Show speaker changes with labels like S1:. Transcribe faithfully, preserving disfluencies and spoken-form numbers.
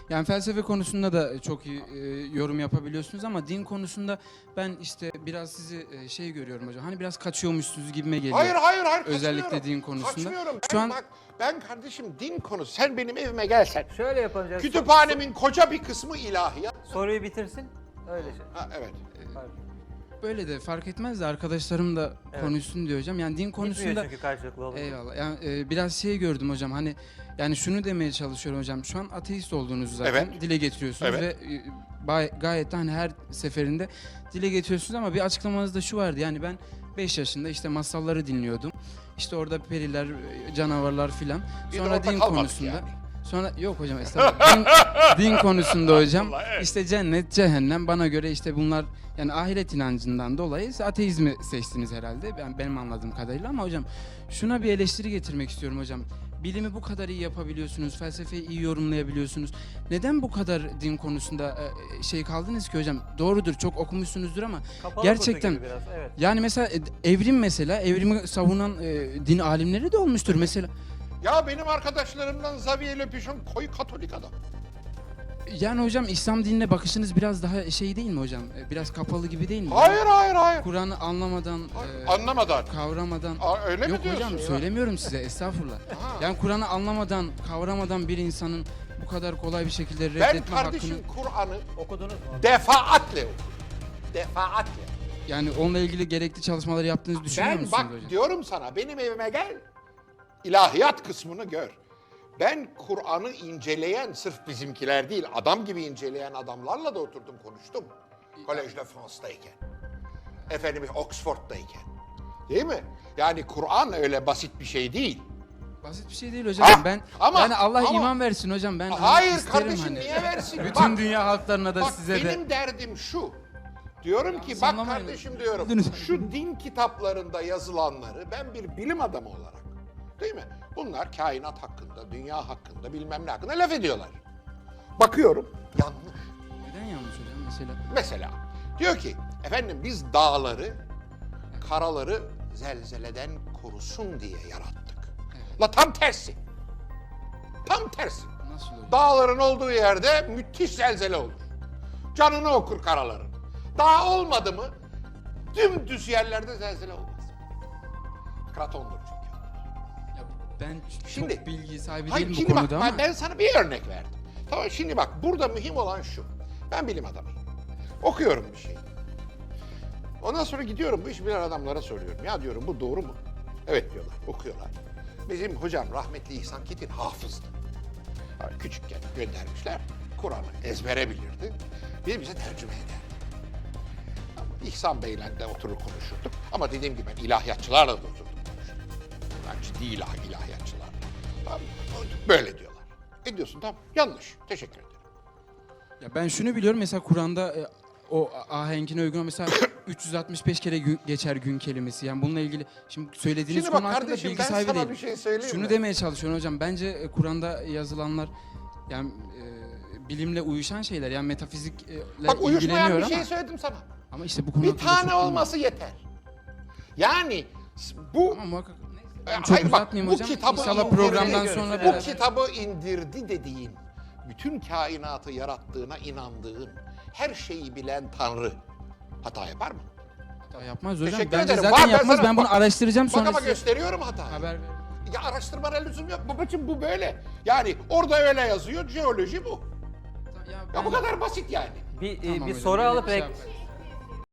S1: Yani felsefe konusunda da çok iyi e, yorum yapabiliyorsunuz ama din konusunda ben işte biraz sizi e, şey görüyorum hocam. Hani biraz kaçıyormuşsunuz gibime geliyor.
S2: Hayır hayır hayır
S1: Özellikle
S2: kaçmıyorum.
S1: din konusunda.
S2: Kaçmıyorum. Ben,
S1: Şu an
S2: bak, ben kardeşim din konusu. Sen benim evime gelsen.
S3: Şöyle yapacağız.
S2: Kütüphanemin koca bir kısmı ilahiyat.
S3: Soruyu bitirsin. Öyle şey.
S2: Ha, evet.
S3: Pardon.
S1: böyle de fark etmez de arkadaşlarım da
S3: Evet.
S1: konuşsun diyor hocam. Yani din
S3: Gitmiyor
S1: konusunda
S3: çünkü karşılıklı olunca.
S1: eyvallah. Yani e, biraz şey gördüm hocam. Hani yani şunu demeye çalışıyorum hocam. Şu an ateist olduğunuzu zaten
S2: Evet.
S1: dile getiriyorsunuz
S2: Evet.
S1: ve e, bay- gayet de hani her seferinde dile getiriyorsunuz ama bir açıklamanızda şu vardı. Yani ben beş yaşında işte masalları dinliyordum. İşte orada periler, e, canavarlar filan.
S2: Bir de
S1: Sonra
S2: orada
S1: din
S2: kalmadık
S1: konusunda
S2: yani.
S1: Sonra yok hocam estağfurullah. din, din konusunda hocam
S2: Vallahi evet.
S1: işte cennet, cehennem bana göre işte bunlar yani ahiret inancından dolayı ateizmi seçtiniz herhalde. Ben benim anladığım kadarıyla ama hocam şuna bir eleştiri getirmek istiyorum hocam. Bilimi bu kadar iyi yapabiliyorsunuz, felsefeyi iyi yorumlayabiliyorsunuz. Neden bu kadar din konusunda e, şey kaldınız ki hocam? Doğrudur, çok okumuşsunuzdur ama
S3: Kapalı
S1: gerçekten
S3: kutu gibi biraz, evet.
S1: yani mesela e, evrim mesela evrimi savunan e, din alimleri de olmuştur mesela.
S2: Ya benim arkadaşlarımdan Xavier Le Pichon koyu Katolik adam.
S1: Yani hocam İslam dinine bakışınız biraz daha şey değil mi hocam? E, Biraz kapalı gibi değil mi?
S2: Hayır hayır hayır.
S1: Kur'an'ı anlamadan, e,
S2: Anlamadan.
S1: kavramadan.
S2: Aa, öyle mi
S1: Yok
S2: diyorsun
S1: hocam
S2: ya?
S1: söylemiyorum size estağfurullah.
S2: Ha.
S1: Yani Kur'an'ı anlamadan, kavramadan bir insanın bu kadar kolay bir şekilde
S2: Ben
S1: reddetme
S2: kardeşim
S1: hakkını
S2: Kur'an'ı
S3: Okudunuz mu?
S2: defaatle okudum. Defaatle.
S1: yani onunla ilgili gerekli çalışmaları yaptığınızı düşünüyor
S2: Ben
S1: musunuz
S2: bak
S1: hocam?
S2: diyorum sana benim evime gel. İlahiyat kısmını gör. Ben Kur'an'ı inceleyen sırf bizimkiler değil adam gibi inceleyen adamlarla da oturdum konuştum. Collège de France'dayken. Efendim Oxford'dayken. Değil mi? Yani Kur'an öyle basit bir şey değil.
S1: Basit bir şey değil hocam.
S2: Ha,
S1: ben
S2: ama-
S1: yani Allah
S2: ama-
S1: iman versin hocam. Ben
S2: Hayır
S1: hani isterim
S2: kardeşim
S1: hani.
S2: niye versin?
S1: Bütün
S2: Bak,
S1: dünya halklarına da
S2: bak
S1: size de.
S2: benim derdim şu. Diyorum ki bak
S1: sallamayın.
S2: kardeşim diyorum
S1: Lütfen.
S2: şu din kitaplarında yazılanları ben bir bilim adamı olarak değil mi? Bunlar kainat hakkında, dünya hakkında bilmem ne hakkında laf ediyorlar. Bakıyorum yanlış.
S1: Neden yanlış hocam mesela?
S2: Mesela diyor ki efendim biz dağları, karaları zelzeleden korusun diye yarattık.
S1: Evet.
S2: La tam tersi. Tam tersi.
S1: Nasıl hocam?
S2: Dağların olduğu yerde müthiş zelzele olur. Canını okur karaların. Dağ olmadı mı dümdüz yerlerde zelzele olmaz. Kratondur çünkü.
S1: Ya ben ç-
S2: Şimdi-
S1: çok bilgi sahibi
S2: Hayır
S1: değilim bu
S2: şimdi bak
S1: konuda
S2: ben-
S1: ama.
S2: ben sana bir örnek verdim. Tamam şimdi bak burada mühim olan şu. Ben bilim adamıyım. Okuyorum bir şey. Ondan sonra gidiyorum bu iş bilen adamlara soruyorum. Ya diyorum bu doğru mu? Evet diyorlar, okuyorlar. Bizim hocam rahmetli İhsan Ketin hafızdı. Yani küçükken göndermişler. Kur'an'ı ezbere bilirdi. Bir bize tercüme ederdi. İhsan Bey'le de oturur konuşurduk. Ama dediğim gibi ben ilahiyatçılarla da oturdum konuşurdum. Yani ciddi ilah, ilahiyatçılarla. Tamam mı? Böyle diyorlar. E diyorsun tamam yanlış. Teşekkür ederim.
S1: Ya ben şunu biliyorum mesela Kur'an'da e, o ahenkine uygun mesela üç yüz altmış beş kere gün, geçer gün kelimesi. Yani bununla ilgili şimdi söylediğiniz
S2: Şimdi bak
S1: konu hakkında
S2: kardeşim,
S1: bilgi
S2: ben
S1: sahibi
S2: sana
S1: değilim.
S2: bir şey söyleyeyim
S1: Şunu
S2: mi?
S1: demeye çalışıyorum hocam. Bence e, Kur'an'da yazılanlar yani e, bilimle uyuşan şeyler. Yani metafizikle
S2: Bak uyuşmayan
S1: ilgileniyor
S2: bir şey
S1: ama
S2: söyledim sana.
S1: ama işte bu konu
S2: Bir
S1: hakkında çok
S2: tane
S1: bilmiyorum.
S2: olması yeter. Yani s- bu
S1: Ama muhakkak neyse,
S2: E,
S1: ben çok
S2: hayır bak,
S1: uzatmayayım
S2: bu
S1: hocam.
S2: kitabı
S1: İnşallah
S2: indirdi.
S1: programdan sonra
S3: Bu
S2: bu
S1: beraber.
S2: kitabı indirdi dediğin, bütün kainatı yarattığına inandığın, her şeyi bilen Tanrı hata yapar mı?
S1: Hata yapmaz hocam.
S2: Teşekkür
S1: Bence
S2: ederim.
S1: zaten
S2: Var, ben
S1: yapmaz.
S2: sana-
S1: Ben bunu
S2: bak-
S1: araştıracağım
S2: Bak
S1: sonra
S2: ama
S1: size
S2: gösteriyorum hatayı.
S1: haber ver.
S2: Ya araştırmana lüzum yok babacığım bu böyle. Yani orada öyle yazıyor, jeoloji bu.
S1: Ya,
S2: Ya
S1: ben-
S2: bu kadar basit yani.
S3: Bir, e,
S1: Tamam
S3: bir
S1: hocam,
S3: soru
S1: öyle
S3: alıp
S1: bir şey
S3: ek-
S1: yapmayın.